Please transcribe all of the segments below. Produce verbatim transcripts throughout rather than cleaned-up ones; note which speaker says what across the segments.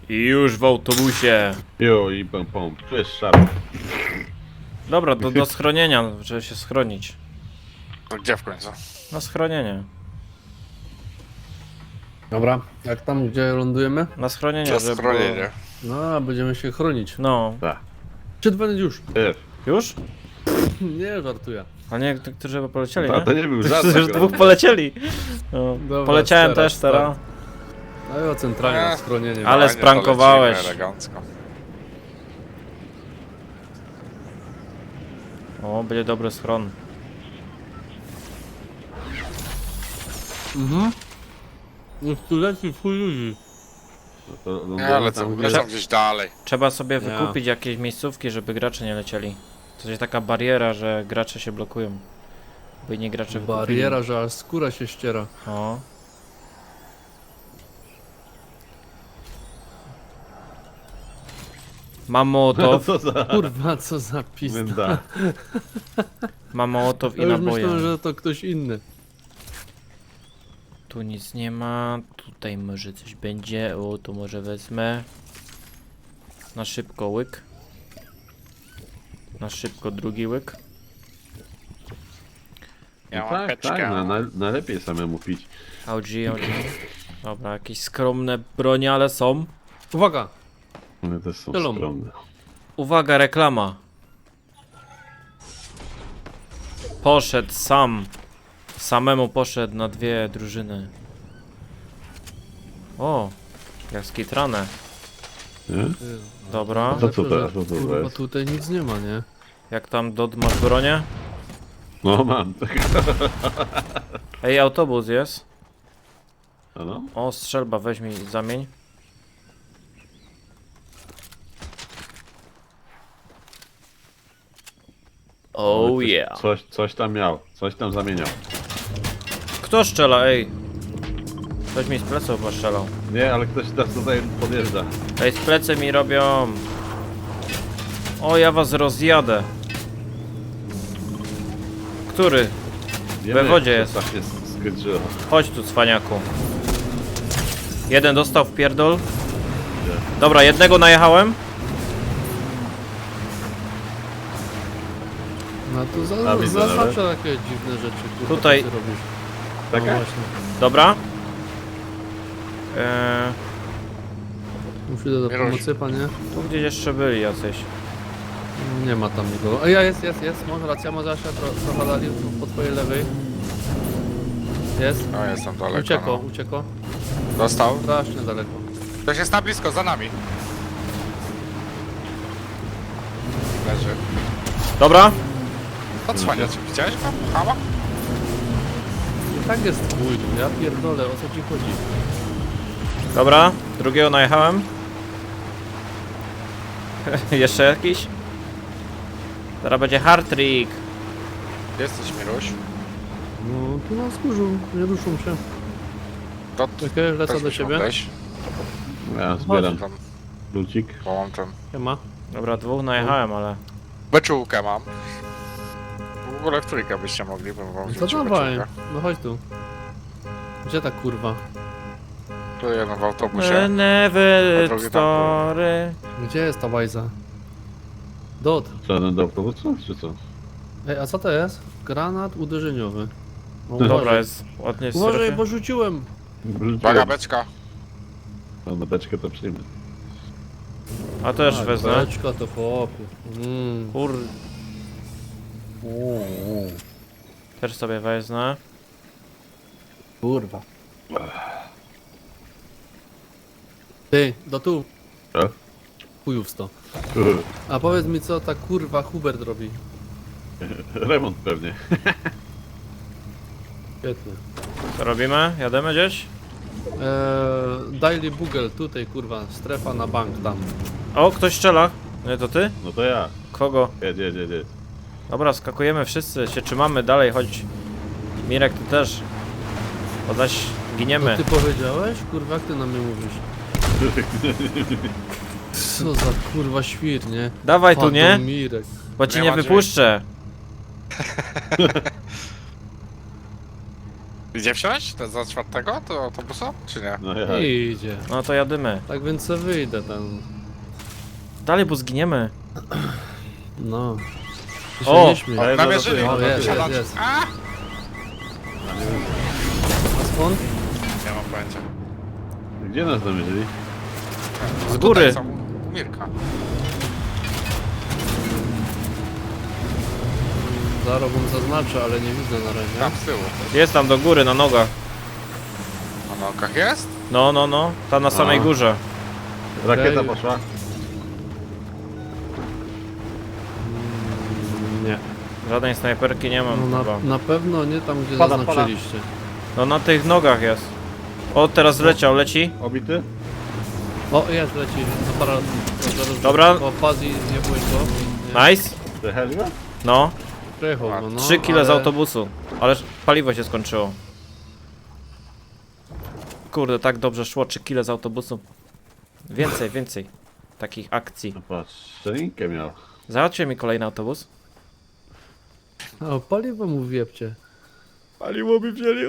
Speaker 1: I już w autobusie.
Speaker 2: Jo, i pom pom. Tu jest szarp.
Speaker 1: Dobra, do, do schronienia, żeby się schronić.
Speaker 3: To gdzie w końcu?
Speaker 1: Na schronienie.
Speaker 4: Dobra, jak tam, gdzie lądujemy?
Speaker 1: Na schronienie,
Speaker 3: Na
Speaker 1: żeby
Speaker 3: schronienie.
Speaker 1: było-
Speaker 4: No, a będziemy się chronić.
Speaker 1: No.
Speaker 2: Tak.
Speaker 4: Czy dwa już?
Speaker 2: Wiesz.
Speaker 1: Już?
Speaker 4: Nie, żartuję.
Speaker 1: A nie, to- którzy chyba polecieli,
Speaker 2: A
Speaker 1: nie?
Speaker 2: to nie był żart.
Speaker 1: Już
Speaker 2: akurat.
Speaker 1: dwóch polecieli. No.
Speaker 4: Dobra,
Speaker 1: Poleciałem
Speaker 4: teraz,
Speaker 1: też teraz.
Speaker 4: No ja centralnie na
Speaker 3: Eee,
Speaker 4: schronienie.
Speaker 1: ale
Speaker 3: Fajnie,
Speaker 1: sprankowałeś.
Speaker 3: to lecimy elegancko.
Speaker 1: O, będzie dobry schron.
Speaker 4: Mhm. Już tu leci w chuj ludzi.
Speaker 2: No to lądujemy
Speaker 3: Nie, ale
Speaker 2: tam,
Speaker 3: co,
Speaker 2: gdzie-
Speaker 3: lecą gdzieś dalej.
Speaker 1: Trzeba sobie
Speaker 4: Ja.
Speaker 1: wykupić jakieś miejscówki, żeby gracze nie lecieli. To jest taka bariera, że gracze się blokują. By nie gracze wykupili.
Speaker 4: Bariera, że aż skóra się ściera.
Speaker 1: O. Mam mołotow,
Speaker 2: Co za...
Speaker 4: Kurwa, co za pizda.
Speaker 2: Wynda.
Speaker 1: mam mołotow i
Speaker 4: Ja już
Speaker 1: naboje.
Speaker 4: myślałem, że to ktoś inny.
Speaker 1: Tu nic nie ma, tutaj może coś będzie. O, tu może wezmę. Na szybko łyk. Na szybko drugi łyk.
Speaker 3: Ja
Speaker 2: No
Speaker 3: mam
Speaker 2: tak,
Speaker 3: peczkę.
Speaker 2: tak, na, na, najlepiej samemu pić.
Speaker 1: O G, O G. Dobra, jakieś skromne bronie, ale są.
Speaker 4: Uwaga!
Speaker 2: One też są
Speaker 4: Zielony.
Speaker 2: skromne.
Speaker 1: Uwaga, reklama. Poszedł sam. Samemu poszedł na dwie drużyny. O, jak skitrane.
Speaker 2: Nie?
Speaker 1: Dobra.
Speaker 2: To co
Speaker 4: Że,
Speaker 2: teraz? Co to
Speaker 4: Kurwa,
Speaker 2: jest?
Speaker 4: tutaj nic nie ma, nie?
Speaker 1: Jak tam Dod masz bronię?
Speaker 2: No mam.
Speaker 1: Ej, autobus jest.
Speaker 2: A no?
Speaker 1: O, strzelba, weź mi zamień. Oh
Speaker 2: Ktoś-
Speaker 1: yeah.
Speaker 2: Coś, coś tam miał. Coś tam zamieniał.
Speaker 1: Kto strzela, ej? Ktoś mi z pleców chyba strzelał.
Speaker 2: Nie, ale ktoś teraz tutaj podjeżdża.
Speaker 1: Ej, z plecy mi robią. O, ja was rozjadę. Który?
Speaker 2: Wiemy,
Speaker 1: wodzie
Speaker 2: że
Speaker 1: jest.
Speaker 2: Tak jest skończyło.
Speaker 1: Chodź tu, cwaniaku. Jeden dostał w pierdol. Dobra, jednego najechałem.
Speaker 4: No to za,
Speaker 2: A, widzę
Speaker 4: za
Speaker 2: nawet.
Speaker 4: zawsze takie dziwne rzeczy. Kurwa,
Speaker 1: Tutaj-
Speaker 4: co ty robisz? No
Speaker 2: Taka?
Speaker 4: właśnie.
Speaker 1: Dobra. Eee,
Speaker 4: Muszę do
Speaker 3: Nie
Speaker 4: pomocy, panie.
Speaker 1: tu gdzieś jeszcze byli jacyś.
Speaker 4: Nie ma tam nikogo. A ja jest, jest, jest. Może racja, może Asia tro, trochę dali po twojej lewej. Jest.
Speaker 3: No jestem daleko.
Speaker 4: Uciekło,
Speaker 3: No.
Speaker 4: uciekło.
Speaker 3: Dostał.
Speaker 4: Strasznie daleko.
Speaker 3: Ktoś jest na blisko, za nami. Leży.
Speaker 1: Dobra.
Speaker 3: Odsłania cię, widziałeś go? Hama?
Speaker 4: I tak jest chuj, no ja pierdolę, o co ci chodzi?
Speaker 1: Dobra, drugiego najechałem. Jeszcze jakiś? Teraz będzie hard trick.
Speaker 3: Gdzie jesteś, Miruś?
Speaker 4: No, tu na wzgórzu, nie ruszą się.
Speaker 3: To
Speaker 4: Czekaj, lecę
Speaker 3: też
Speaker 4: do
Speaker 3: byś
Speaker 4: ciebie.
Speaker 3: mógł wejść.
Speaker 2: Ja zbieram
Speaker 3: Tam
Speaker 2: lucik.
Speaker 3: połączam.
Speaker 4: Siema.
Speaker 1: Dobra, dwóch najechałem, ale...
Speaker 3: Beczułkę mam. W ogóle w trójkę byście mogli, bym wam
Speaker 4: No to
Speaker 3: wrzucił
Speaker 4: dawaj,
Speaker 3: beczułkę.
Speaker 4: no chodź tu. Gdzie ta kurwa?
Speaker 3: Tu jeden w autobusie. A
Speaker 1: Never
Speaker 3: drugi tam
Speaker 1: story.
Speaker 4: Gdzie jest ta łajza? Dot.
Speaker 2: Żaden do autobusu, czy co?
Speaker 4: Ej, a co to jest? Granat uderzeniowy. No,
Speaker 1: Dobra,
Speaker 4: uważaj.
Speaker 1: jest ładnie w
Speaker 4: Uważaj,
Speaker 1: strefie.
Speaker 4: bo rzuciłem.
Speaker 3: Uwaga, beczka.
Speaker 2: No, na beczkę to przyjmę.
Speaker 1: A też
Speaker 4: Tak,
Speaker 1: wezmę.
Speaker 4: beczka to chłopie. Mm.
Speaker 1: Kur... Też sobie wezmę.
Speaker 4: Kurwa. Ty, do tu.
Speaker 2: Co?
Speaker 4: Chujów sto. A powiedz mi, co ta kurwa Hubert robi?
Speaker 2: Remont pewnie.
Speaker 4: Świetnie.
Speaker 1: Co robimy? Jademy gdzieś?
Speaker 4: Eee, Daily Bugle, tutaj kurwa, strefa na bank tam.
Speaker 1: O, ktoś strzela. Nie, to ty?
Speaker 2: No to ja.
Speaker 1: Kogo?
Speaker 2: Jedź, jedź, jedź, jedź.
Speaker 1: Dobra, skakujemy wszyscy, się trzymamy dalej, chodź. Mirek, ty też. Bo zaś giniemy.
Speaker 4: Ty powiedziałeś? Kurwa, jak ty na mnie mówisz? Co za kurwa świr, nie?
Speaker 1: Dawaj tu, nie?
Speaker 4: Mirek.
Speaker 1: Bo cię
Speaker 3: Nie
Speaker 1: nie
Speaker 3: ma drzwi.
Speaker 1: wypuszczę.
Speaker 3: Idzie wsiąść? To za czwartego? To autobusu? Czy nie?
Speaker 2: No ja.
Speaker 4: Idzie.
Speaker 1: No to jadymy.
Speaker 4: Tak więc se wyjdę tam.
Speaker 1: Dalej, bo zginiemy.
Speaker 4: No. Ty się
Speaker 1: O!
Speaker 4: nie śmiej.
Speaker 2: Ale
Speaker 3: Namierzyli!
Speaker 2: no,
Speaker 4: O, jest,
Speaker 2: no,
Speaker 4: jest, jest.
Speaker 3: A!
Speaker 4: A skąd?
Speaker 3: Nie mam pojęcia.
Speaker 2: Gdzie nas namierzyli?
Speaker 1: Z góry.
Speaker 3: Tutaj są u Mirka.
Speaker 4: Zaraz wam zaznaczę, ale nie widzę na razie.
Speaker 3: Tam z tyłu.
Speaker 1: Jest tam do góry, na nogach.
Speaker 3: Na nogach jest?
Speaker 1: No, no, no. Tam na samej
Speaker 2: A.
Speaker 1: górze.
Speaker 2: Rakieta
Speaker 4: Okej.
Speaker 2: poszła.
Speaker 4: Mm, Nie.
Speaker 1: Żadnej snajperki nie mam
Speaker 4: No
Speaker 1: chyba.
Speaker 4: na, na pewno nie tam, gdzie
Speaker 2: Pada,
Speaker 4: zaznaczyliście.
Speaker 1: No na tych nogach jest. O, teraz leciał, leci.
Speaker 2: Obity?
Speaker 4: O, jest, leci. Aparat. Zaraz-
Speaker 1: Dobra.
Speaker 4: O, Fazi, nie byłeś go. Nie.
Speaker 1: Nice.
Speaker 2: Te Helga?
Speaker 1: No.
Speaker 4: Przejechał go, no.
Speaker 1: trzy kile z
Speaker 4: ale-
Speaker 1: autobusu. Ale paliwo się skończyło. Kurde, tak dobrze szło, trzy kile z autobusu. Więcej, więcej takich akcji.
Speaker 2: No patrz, szczelinkę miał.
Speaker 1: Załatwcie mi kolejny autobus.
Speaker 4: O, paliwo mu wiepcie.
Speaker 1: Paliło mi wzięli.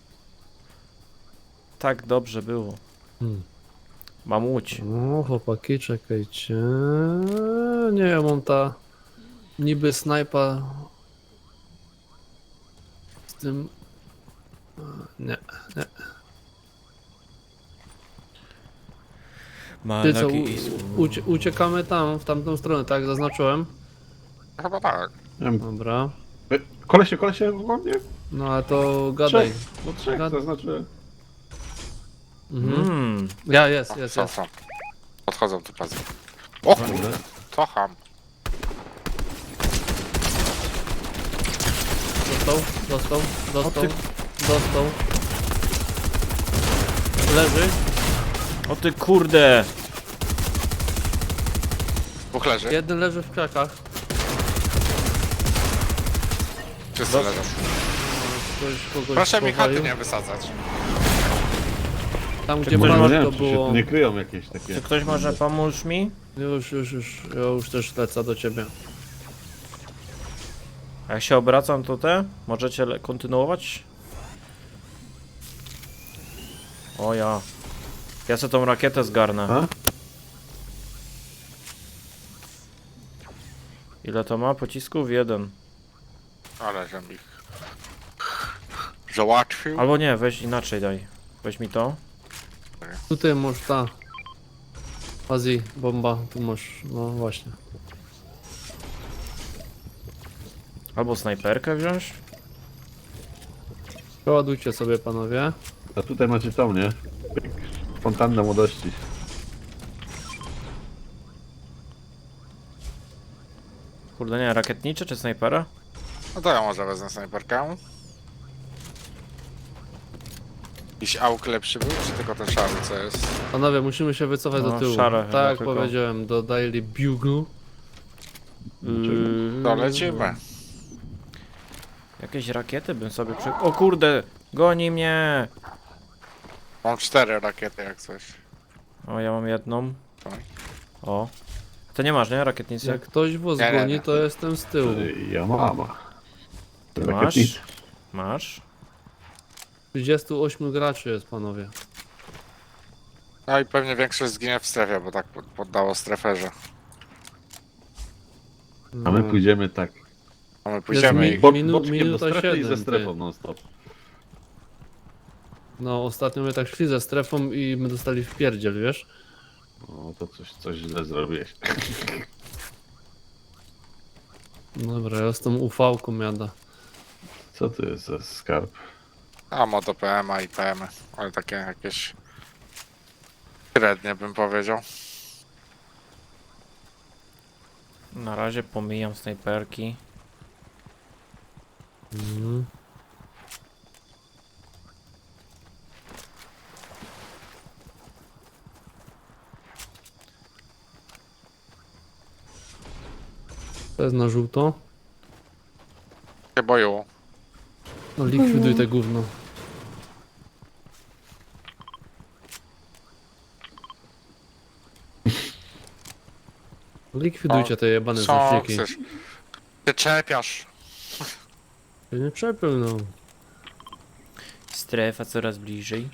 Speaker 1: Tak dobrze było.
Speaker 4: Hmm.
Speaker 1: Mam łódź.
Speaker 4: No, chłopaki, czekajcie. Nie, ja mam ta niby snajpa z tym. Nie. Ty co,
Speaker 1: Malaki
Speaker 4: u, ucie, uciekamy tam, w tamtą stronę, tak? Zaznaczyłem.
Speaker 3: Chyba tak.
Speaker 2: Nie wiem,
Speaker 4: Dobra.
Speaker 2: e, Kolesie, kolesie, ładnie?
Speaker 4: No ale to gadaj.
Speaker 2: Trzech. No trzech,
Speaker 4: Gad-
Speaker 2: to znaczy...
Speaker 4: Mhm.
Speaker 1: Mmm.
Speaker 4: Ja, jest,
Speaker 3: O,
Speaker 4: jest,
Speaker 3: są,
Speaker 4: jest.
Speaker 3: są. Podchodzą tu pazy. O kurde, to ham.
Speaker 4: Dostał, dostał, dostał,
Speaker 1: ty-
Speaker 4: dostał. Leży.
Speaker 1: O ty kurde.
Speaker 3: Dwóch leży.
Speaker 4: Jeden leży w krakach.
Speaker 3: Wszyscy leżą.
Speaker 4: Ktoś kogoś
Speaker 3: Proszę mi
Speaker 4: powalił.
Speaker 3: chaty nie wysadzać.
Speaker 4: Tam
Speaker 1: Czy
Speaker 4: gdzie
Speaker 1: ktoś
Speaker 2: No,
Speaker 4: pan
Speaker 2: nie
Speaker 4: to
Speaker 2: wiem, czy się
Speaker 4: było.
Speaker 2: tu nie kryją jakieś takie...
Speaker 1: Czy ktoś może pomóc mi?
Speaker 4: Już, już, już. Ja już też lecę do ciebie.
Speaker 1: A jak się obracam, to te? Możecie le- kontynuować? O ja. Ja sobie tą rakietę zgarnę.
Speaker 2: A?
Speaker 1: Ile to ma pocisków? Jeden.
Speaker 3: Ale żem ich załatwił.
Speaker 1: Albo nie, weź inaczej daj. Weź mi to.
Speaker 4: Tutaj masz ta. Azji, bomba. Tu masz. No właśnie.
Speaker 1: Albo snajperkę wziąć.
Speaker 4: Przeładujcie sobie panowie.
Speaker 2: A tutaj macie tą, nie? Fontanna młodości.
Speaker 1: Kurde nie, rakietnicze czy snajpera?
Speaker 3: No to ja może wezmę snajperkę. Jakiś auk lepszy był, czy tylko ten szary, co jest?
Speaker 4: Panowie, musimy się wycofać
Speaker 1: No,
Speaker 4: do tyłu.
Speaker 1: szare chyba
Speaker 4: tak jak
Speaker 1: tylko.
Speaker 4: powiedziałem, do Daily Bugle.
Speaker 1: Yy,
Speaker 3: To lecimy.
Speaker 1: Jakieś rakiety bym sobie przy... O kurde! Goni mnie!
Speaker 3: Mam cztery rakiety jak coś.
Speaker 1: O, ja mam jedną.
Speaker 3: Tak.
Speaker 1: O. To nie masz, nie? Rakietnicy?
Speaker 4: Jak ktoś was
Speaker 3: Nie, nie,
Speaker 4: goni,
Speaker 3: nie.
Speaker 4: to jestem z tyłu.
Speaker 2: Ja mam.
Speaker 1: Ty
Speaker 2: Rakietnicy.
Speaker 1: masz? Masz?
Speaker 4: trzydziestu ośmiu graczy jest panowie.
Speaker 3: No i pewnie większość zginie w strefie, bo tak pod- poddało streferze.
Speaker 2: A my
Speaker 4: No.
Speaker 2: pójdziemy tak.
Speaker 3: A my pójdziemy
Speaker 4: mi-
Speaker 3: ich.
Speaker 2: Bo,
Speaker 4: Minu-
Speaker 2: boczkiem do
Speaker 4: minuta
Speaker 2: strefy i
Speaker 4: siedem,
Speaker 2: ze
Speaker 4: ty.
Speaker 2: strefą non stop.
Speaker 4: No ostatnio my tak szli ze strefą i my dostali w pierdziel, wiesz?
Speaker 2: No to coś, coś źle zrobiłeś.
Speaker 4: Dobra, ja z tą U V-ką jada.
Speaker 2: Co to jest za skarb?
Speaker 3: A moto P M A i P M, ale takie jakieś średnie bym powiedział.
Speaker 1: Na razie pomijam snajperki.
Speaker 4: Mhm. To jest na żółto.
Speaker 3: Się boją.
Speaker 4: No likwiduj te gówno. Likwidujcie te jebane
Speaker 3: Co
Speaker 4: znaczniki.
Speaker 3: chcesz? Ty czepiasz.
Speaker 4: Się nie przepył, no.
Speaker 1: Strefa coraz bliżej.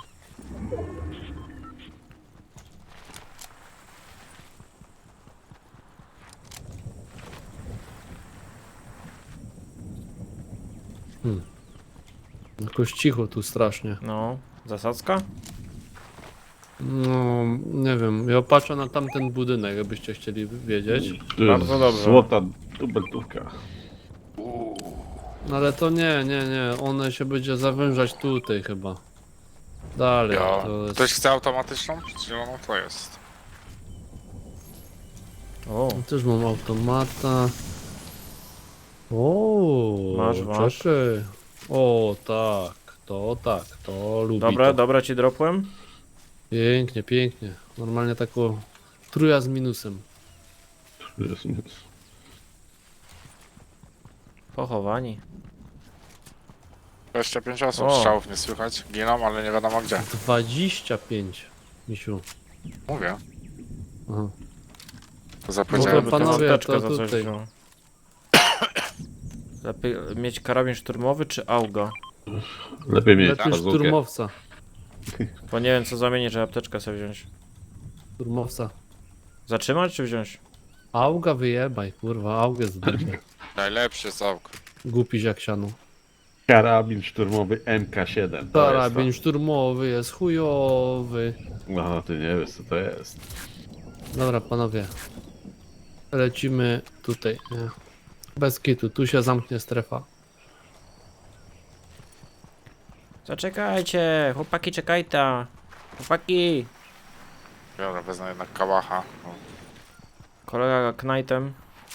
Speaker 4: Jakoś cicho tu strasznie.
Speaker 1: No, zasadzka?
Speaker 4: No, nie wiem, ja patrzę na tamten budynek, jakbyście chcieli wiedzieć.
Speaker 2: Tu
Speaker 1: Bardzo
Speaker 2: jest
Speaker 1: dobrze.
Speaker 2: złota dubeltówka.
Speaker 4: No ale to nie, nie, nie, one się będzie zawężać tutaj chyba. Dalej,
Speaker 3: Ja.
Speaker 4: to jest...
Speaker 3: Ktoś chce automatyczną? Zieloną to jest.
Speaker 1: O,
Speaker 4: Też mam automata. O,
Speaker 1: Masz, masz.
Speaker 4: czekaj. O, tak, to tak, to lubi
Speaker 1: dobra,
Speaker 4: to.
Speaker 1: dobra ci dropłem.
Speaker 4: Pięknie, pięknie. Normalnie taką truja z minusem.
Speaker 2: Jest nic.
Speaker 1: Pochowani.
Speaker 3: dwadzieścia pięć osób,
Speaker 1: O.
Speaker 3: strzałów nie słychać. Giną, ale nie wiadomo gdzie.
Speaker 4: dwadzieścia pięć, misiu.
Speaker 3: Mówię.
Speaker 4: Aha.
Speaker 3: To za
Speaker 4: No to
Speaker 3: powiedziałem.
Speaker 4: panowie,
Speaker 1: apteczkę
Speaker 4: to
Speaker 1: za coś
Speaker 4: tutaj.
Speaker 1: wziął. Lepiej mieć karabin szturmowy czy auga?
Speaker 2: Lepiej mieć
Speaker 4: Lepiej
Speaker 2: bazookę.
Speaker 4: szturmowca.
Speaker 1: Bo nie wiem co zamienić, że apteczkę sobie wziąć.
Speaker 4: Szturmowca.
Speaker 1: Zatrzymać czy wziąć?
Speaker 4: Auga wyjebaj, kurwa, augę z
Speaker 3: Najlepszy całk.
Speaker 4: Głupi jak siano.
Speaker 2: Karabin szturmowy M K siedem. To
Speaker 4: Karabin
Speaker 2: jest
Speaker 4: szturmowy jest chujowy.
Speaker 2: to. No, ty nie wiesz co to jest.
Speaker 4: Dobra, panowie. Lecimy tutaj, nie? Bez kitu, tu się zamknie strefa.
Speaker 1: Zaczekajcie, chłopaki czekajta. Chłopaki.
Speaker 3: Dobra, wezmę jednak kałacha. No,
Speaker 1: Kolega Knightem.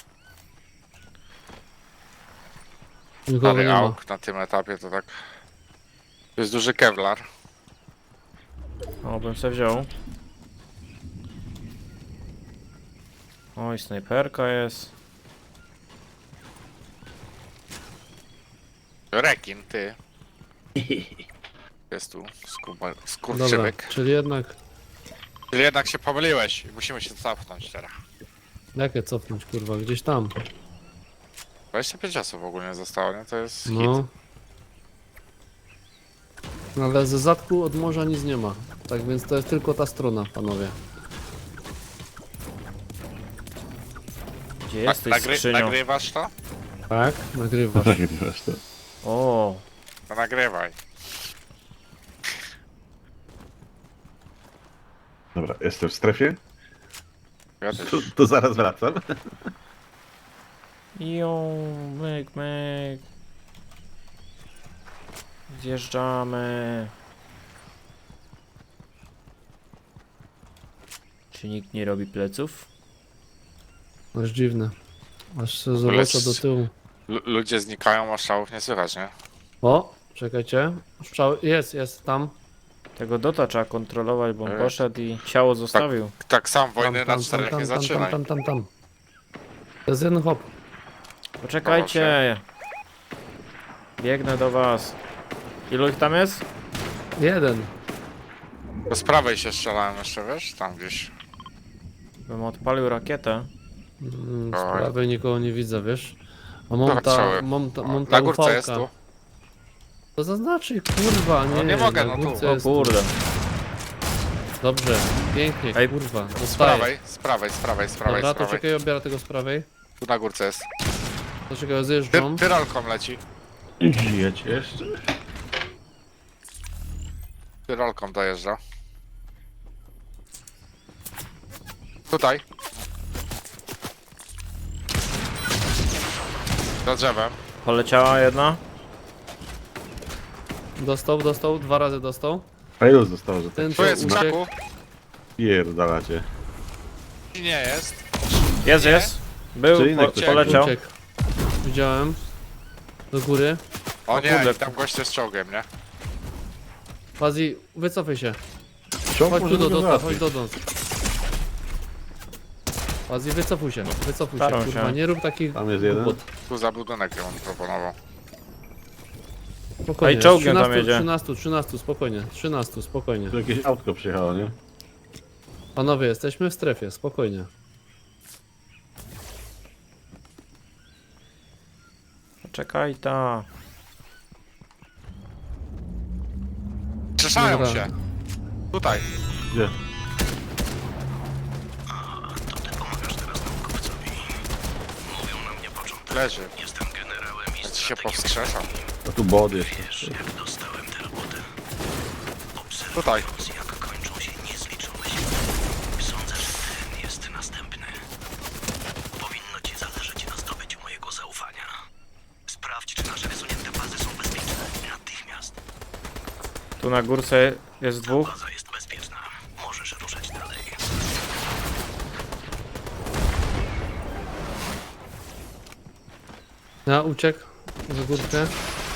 Speaker 4: Nikogo
Speaker 3: Stary
Speaker 4: nie ma.
Speaker 3: auk na tym etapie to tak. To jest duży kevlar.
Speaker 1: O, bym se wziął. Oj, snajperka jest.
Speaker 3: Rekin, ty. Jest tu skuba,
Speaker 4: Dobra,
Speaker 3: skurczybyk.
Speaker 4: czyli jednak...
Speaker 3: Czyli jednak się pomyliłeś i musimy się cofnąć teraz.
Speaker 4: Jakie cofnąć, kurwa, gdzieś tam.
Speaker 3: dwadzieścia pięć osób ogólnie zostało, nie? To jest hit.
Speaker 4: No. Ale ze zadku od morza nic nie ma. Tak więc to jest tylko ta strona, panowie.
Speaker 1: Gdzie
Speaker 3: Na-
Speaker 1: jesteś,
Speaker 3: nagry
Speaker 1: skrzynio?
Speaker 3: nagrywasz to?
Speaker 4: Tak? Nagrywasz.
Speaker 2: Nagrywasz to.
Speaker 1: O,
Speaker 3: To nagrywaj.
Speaker 2: Dobra, jestem w strefie.
Speaker 3: Ja
Speaker 2: To,
Speaker 3: też.
Speaker 2: to zaraz wracam.
Speaker 1: jo, myk, myk. Zjeżdżamy. Czy nikt nie robi pleców?
Speaker 4: Aż dziwne. Aż się
Speaker 3: ogóle
Speaker 4: zobaczę
Speaker 3: s-
Speaker 4: do tyłu.
Speaker 3: L ludzie znikają, a strzałów nie słychać, nie?
Speaker 4: O, czekajcie. Strzał... Jest, jest tam.
Speaker 1: Tego Dota trzeba kontrolować, bo on
Speaker 3: Ej.
Speaker 1: poszedł i ciało zostawił.
Speaker 3: Tak sam
Speaker 4: Tam,
Speaker 3: wojny
Speaker 4: tam,
Speaker 3: na czterech
Speaker 4: tam,
Speaker 3: nie
Speaker 4: tam, tam,
Speaker 3: zaczynaj.
Speaker 4: tam, tam, tam. To jest jeden hop.
Speaker 1: Poczekajcie. Biegnę do was. Ilu ich tam jest?
Speaker 4: Jeden.
Speaker 3: To z prawej się strzelałem jeszcze, wiesz? Tam gdzieś.
Speaker 1: Bym odpalił rakietę.
Speaker 4: Mm, Z
Speaker 3: Oj.
Speaker 4: prawej nikogo nie widzę, wiesz? A
Speaker 3: Dobra,
Speaker 4: mam ta,
Speaker 3: strzały.
Speaker 4: mam ta,
Speaker 3: O,
Speaker 4: mam ta
Speaker 3: na górce jest
Speaker 4: ufałka.
Speaker 3: tu.
Speaker 4: To zaznaczy, kurwa, nie,
Speaker 3: No nie mogę,
Speaker 4: na
Speaker 3: no tu.
Speaker 4: górce
Speaker 1: O
Speaker 4: jest
Speaker 1: kurde.
Speaker 4: Dobrze, pięknie,
Speaker 1: Ej,
Speaker 4: kurwa.
Speaker 3: Z
Speaker 4: Dostaję.
Speaker 3: prawej, z prawej, z prawej, z prawej,
Speaker 4: Dobra,
Speaker 3: z
Speaker 4: to
Speaker 3: prawej.
Speaker 4: czekaj, obiera tego z prawej.
Speaker 3: Tu na górce jest.
Speaker 4: To czekaj,
Speaker 3: Ty
Speaker 4: zjeżdżam.
Speaker 3: tyrolką leci.
Speaker 2: Żyjecie jeszcze?
Speaker 3: Tyrolką dojeżdża. Tutaj. Za drzewem.
Speaker 1: Poleciała jedna.
Speaker 4: Dostał, dostał, dwa razy dostał.
Speaker 2: A ilu zostało, że tak
Speaker 4: Ten
Speaker 3: Tu
Speaker 4: to
Speaker 3: jest w
Speaker 4: uciekł.
Speaker 3: krzaku.
Speaker 2: pierdalacie?
Speaker 3: I nie jest.
Speaker 1: Jest,
Speaker 3: Nie?
Speaker 1: jest. Był,
Speaker 2: Czy inny
Speaker 1: po,
Speaker 2: ktoś
Speaker 1: poleciał.
Speaker 4: Uciekł. Widziałem. Do góry.
Speaker 3: O nie,
Speaker 1: kurde.
Speaker 3: i tam goście z czołgiem, nie?
Speaker 4: Fazi, wycofaj się.
Speaker 2: Czołg
Speaker 4: Chodź
Speaker 2: może
Speaker 4: tu do
Speaker 2: go
Speaker 4: Dota, chodź
Speaker 2: załatwić.
Speaker 4: do nas. Fazi, wycofuj się, wycofuj się,
Speaker 1: Staram
Speaker 4: kurwa,
Speaker 1: się.
Speaker 4: nie rób takich
Speaker 2: Tam jest jeden.
Speaker 4: głupot.
Speaker 3: Tu za budynek ją proponował.
Speaker 4: Spokojnie,
Speaker 1: Ej, czołgiem tam
Speaker 4: trzynaście,
Speaker 1: jedzie.
Speaker 4: trzynaście, trzynaście, spokojnie, trzynaście, spokojnie.
Speaker 2: Tu jakieś autko przyjechało, nie?
Speaker 4: Panowie, jesteśmy w strefie, spokojnie.
Speaker 1: Poczekaj ta.
Speaker 3: Skrzeszają
Speaker 4: Dobra.
Speaker 3: się. Tutaj.
Speaker 2: Gdzie?
Speaker 3: Leży. Ja ci się powskrzeszam.
Speaker 2: A tu bod jest.
Speaker 3: Tutaj.
Speaker 5: Powinno ci zależeć na zdobyciu mojego zaufania. Sprawdź, czy nasze wysunięte bazy są bezpieczne. Natychmiast.
Speaker 1: Tu na górce jest dwóch.
Speaker 5: Baza jest bezpieczna. Możesz ruszać dalej.
Speaker 4: Ja uciekł za górkę.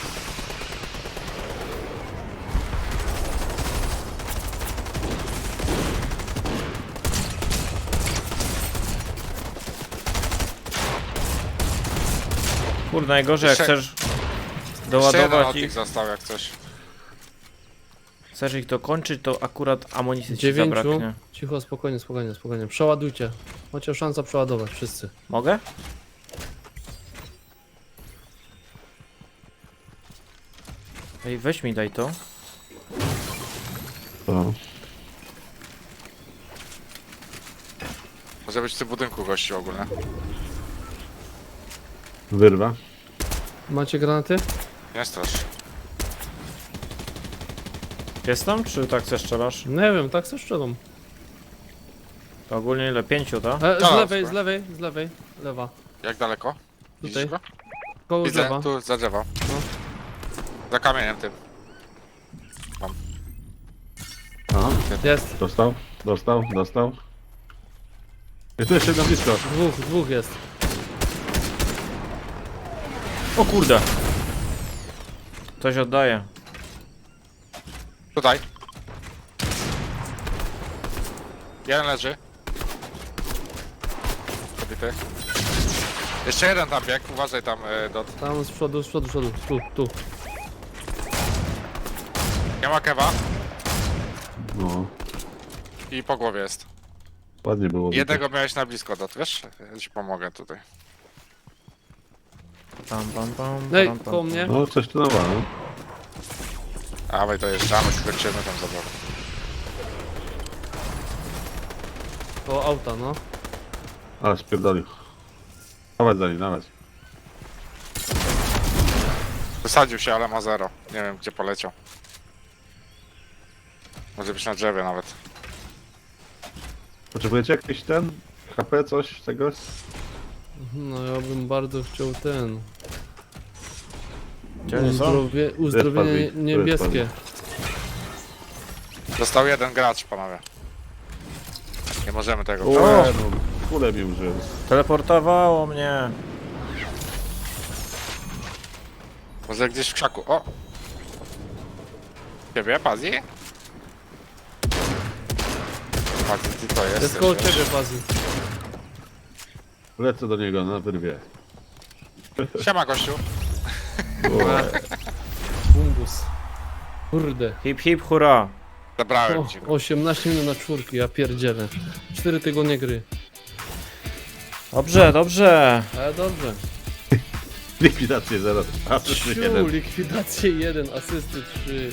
Speaker 1: Kurde, najgorzej jak
Speaker 3: Jeszcze-
Speaker 1: chcesz
Speaker 3: Jeszcze jeden
Speaker 1: doładować
Speaker 3: od
Speaker 1: ich,
Speaker 3: nich został jak coś.
Speaker 1: chcesz ich dokończyć, to akurat amunicji ci
Speaker 4: Dziewięciu.
Speaker 1: zabraknie.
Speaker 4: Cicho, spokojnie, spokojnie, spokojnie. Przeładujcie. Macie szansę przeładować wszyscy.
Speaker 1: Mogę? Ej, weź mi daj to.
Speaker 2: To.
Speaker 3: Może być w tym budynku gości ogólnie.
Speaker 2: Wyrwa.
Speaker 4: Macie granaty?
Speaker 3: Nie strasz.
Speaker 1: Jest tam, czy tak chcesz strzelasz?
Speaker 4: Nie wiem, tak se strzelam.
Speaker 1: To ogólnie ile? Pięciu, to?
Speaker 4: E, z
Speaker 3: Tak,
Speaker 4: lewej,
Speaker 3: tak.
Speaker 4: z lewej, z lewej. Lewa.
Speaker 3: Jak daleko? Widzisz
Speaker 4: Tutaj.
Speaker 3: go?
Speaker 4: Koło
Speaker 3: Widzę,
Speaker 4: drzewa.
Speaker 3: tu za drzewo.
Speaker 4: No.
Speaker 3: Za kamieniem tym.
Speaker 2: Aha.
Speaker 4: Jest.
Speaker 2: Dostał, dostał, dostał. I tu jeszcze na blisko.
Speaker 4: Dwóch, dwóch jest.
Speaker 1: O kurde! Coś oddaje.
Speaker 3: Tutaj. Jeden leży. Zabity. Jeszcze jeden tam biegł, uważaj tam e, dot.
Speaker 4: Tam z przodu, z przodu, z przodu. Tu, tu.
Speaker 3: Nie ma kewa
Speaker 2: No,
Speaker 3: i po głowie jest.
Speaker 2: ładnie było.
Speaker 3: Jednego miałeś na blisko dot, wiesz? Ja ci pomogę tutaj.
Speaker 1: Pam, pam, pam,
Speaker 4: Ej,
Speaker 1: pam, pam,
Speaker 4: koło
Speaker 1: pam.
Speaker 4: mnie.
Speaker 2: No, coś tu nowa, no.
Speaker 3: A my to jeszcze, a my skończymy tam zabawę.
Speaker 4: Koło auta, no.
Speaker 2: Ale spierdolił. Dawać za nim, dawać.
Speaker 3: Wysadził się, ale ma zero. Nie wiem gdzie poleciał. Może być na drzewie nawet.
Speaker 2: Potrzebujecie jakiś ten? H P, coś tego?
Speaker 4: No ja bym bardzo chciał ten.
Speaker 1: Gdzie oni są?
Speaker 4: Uzdrowie, uzdrowienie
Speaker 2: Tu jest Padwi, tu
Speaker 4: niebieskie.
Speaker 2: jest
Speaker 3: Został jeden gracz, panowie. Nie możemy tego.
Speaker 1: O!
Speaker 2: E, no, kulę mi użyłem.
Speaker 1: Teleportowało mnie.
Speaker 3: Może gdzieś w krzaku. O! Ciebie, Pazi? Pazi, ty to jesteś.
Speaker 4: Jest koło
Speaker 3: wiesz?
Speaker 4: ciebie, Bazy.
Speaker 2: Lecę do niego na wyrwie.
Speaker 3: Siema, gościu.
Speaker 4: Bumbus. Kurde.
Speaker 1: Hip hip hura.
Speaker 3: Zabrałem
Speaker 4: O,
Speaker 3: ci go.
Speaker 4: osiemnaście minut na czwórki, ja pierdzielę. cztery tygodnie gry.
Speaker 1: Dobrze, dobrze.
Speaker 4: Ale dobrze.
Speaker 2: Likwidację zero. Asysty
Speaker 4: Siu,
Speaker 2: jeden.
Speaker 4: likwidacje jeden, asysty trzy.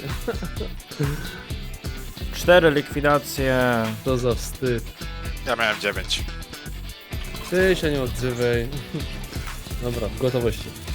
Speaker 1: Cztery likwidacje.
Speaker 4: To za wstyd.
Speaker 3: Ja miałem dziewięć.
Speaker 4: Ty się nie odzywaj. Dobra, w gotowości.